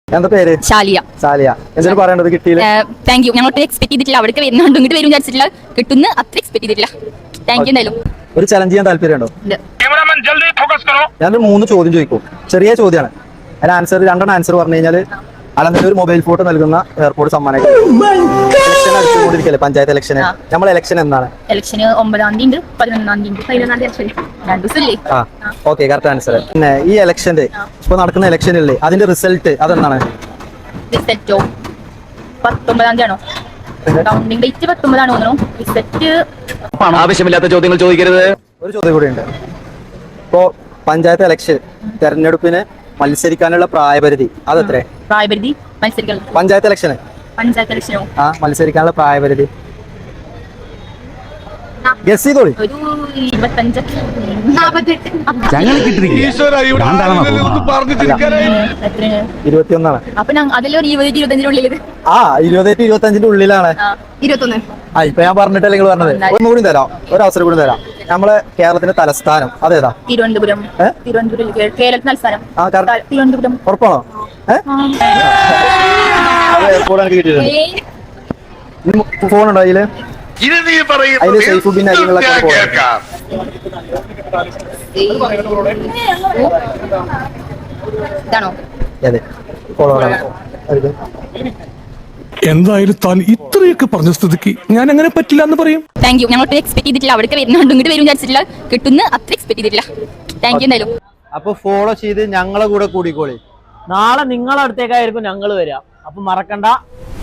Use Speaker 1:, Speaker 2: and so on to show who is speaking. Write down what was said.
Speaker 1: എന്താ പേര്?
Speaker 2: ശാലിയ.
Speaker 1: എന്തിനു പറയേണ്ടത്? കിട്ടിയില്ല.
Speaker 2: Thank you. ഞങ്ങൾ എക്സ്പെക്ട് ചെയ്തിട്ടില്ല, അവിടേക്ക് വരുന്നുണ്ട്, ഇങ്ങോട്ട് വരും വിചാരിച്ചിട്ടില്ല, കിട്ടുന്ന അത്ര എക്സ്പെക്ട് ചെയ്തിട്ടില്ല. Thank you. എന്തായാലും
Speaker 1: ഒരു ചലഞ്ച് ചെയ്യാൻ താല്പര്യമുണ്ടോ? ഞാൻ 3 ചോദ്യം ചോദിക്കും, ചെറിയ ചോദ്യമാണ്. അതിന് ആൻസർ 2 ആൻസർ പറഞ്ഞു കഴിഞ്ഞാൽ അല്ലാതെ ഒരു മൊബൈൽ ഫോട്ടോ നൽകുന്ന എയർപോർട്ട് സമ്മാനം. ഇലക്ഷൻ അടുത്തുകൊണ്ടിരിക്കല്ലേ, പഞ്ചായത്ത് ഇലക്ഷൻ. നമ്മളെ ഇലക്ഷൻ എന്നാണ്?
Speaker 2: ഇലക്ഷന് 9-ാം തീയതി ഉണ്ട്, 11-ാം തീയതി, 11-ാം തീയതി.
Speaker 1: Okay, correct answer. പിന്നെ ഈ ഇലക്ഷന്റെ ഇപ്പൊ നടക്കുന്ന ഇലക്ഷനില്ലേ, അതിന്റെ റിസൾട്ട് അതെന്താണ്?
Speaker 2: റിസൾട്ടോ 19-ാം തീയതി ആണോ? കൗണ്ടിംഗ് ഡേറ്റ് 19-ആണോ തോന്നുന്നു. റിസൾട്ട്
Speaker 3: ആവശ്യമില്ലാത്ത ചോദ്യങ്ങൾ ചോദിക്കരുത്.
Speaker 1: ഒരു ചോദ്യം കൂടി ഉണ്ട്. ഇപ്പോ പഞ്ചായത്ത് ഇലക്ഷൻ തെരഞ്ഞെടുപ്പിന് മത്സരിക്കാനുള്ള പ്രായപരിധി അതെത്ര?
Speaker 2: പ്രായപരിധി മത്സരിക്കാൻ
Speaker 1: പഞ്ചായത്ത് ഇലക്ഷന് മത്സരിക്കാനുള്ള പ്രായപരിധി ഗസ് ചെയ്തോളി.
Speaker 2: ഒരു 25. എത്ര?
Speaker 1: 21.
Speaker 2: അപ്പൊ അതിലൊരു 20-25-നുള്ളിൽ.
Speaker 1: 20-25 ഉള്ളിലാണ്.
Speaker 2: 21.
Speaker 1: ഇപ്പൊ ഞാൻ പറഞ്ഞിട്ടല്ലേ നിങ്ങൾ പറഞ്ഞത്. ഒന്നുകൂടി തരാം, ഒരു അവസരം കൂടി തരാം. നമ്മളെ കേരളത്തിന്റെ തലസ്ഥാനം അതേതാ?
Speaker 2: തിരുവനന്തപുരം. കേരളത്തിൽ തലസ്ഥാനം തിരുവനന്തപുരം.
Speaker 1: ഉറപ്പാണോ? ഫോൺ ഉണ്ടോ അതില്? അതില് സൈഫുദ്ദീൻ അരികളൊക്കെ
Speaker 2: ഇതാണോ?
Speaker 1: അതെ, ഫോളോ.
Speaker 4: എന്തായാലും താൻ ഇത്രയൊക്കെ പറഞ്ഞ സ്ഥിതിക്ക് ഞാൻ അങ്ങനെ പറ്റില്ല എന്ന് പറയും.
Speaker 2: Thank you. ഞങ്ങൾ എക്സ്പെക്ട് ചെയ്തിട്ടില്ല, അവിടേക്ക് വരുന്നുണ്ട്, ഇങ്ങോട്ട് വരും വിചാരിച്ചിട്ടില്ല, കിട്ടുന്ന അത്ര എക്സ്പെക്ട് ചെയ്തിട്ടില്ല. Thank you. എന്തായാലും
Speaker 1: അപ്പൊ ഫോളോ ചെയ്ത് ഞങ്ങളെ കൂടെ കൂടിക്കോളി.
Speaker 5: നാളെ നിങ്ങളെ അടുത്തേക്കായിരിക്കും ഞങ്ങൾ വരിക. അപ്പൊ മറക്കണ്ട,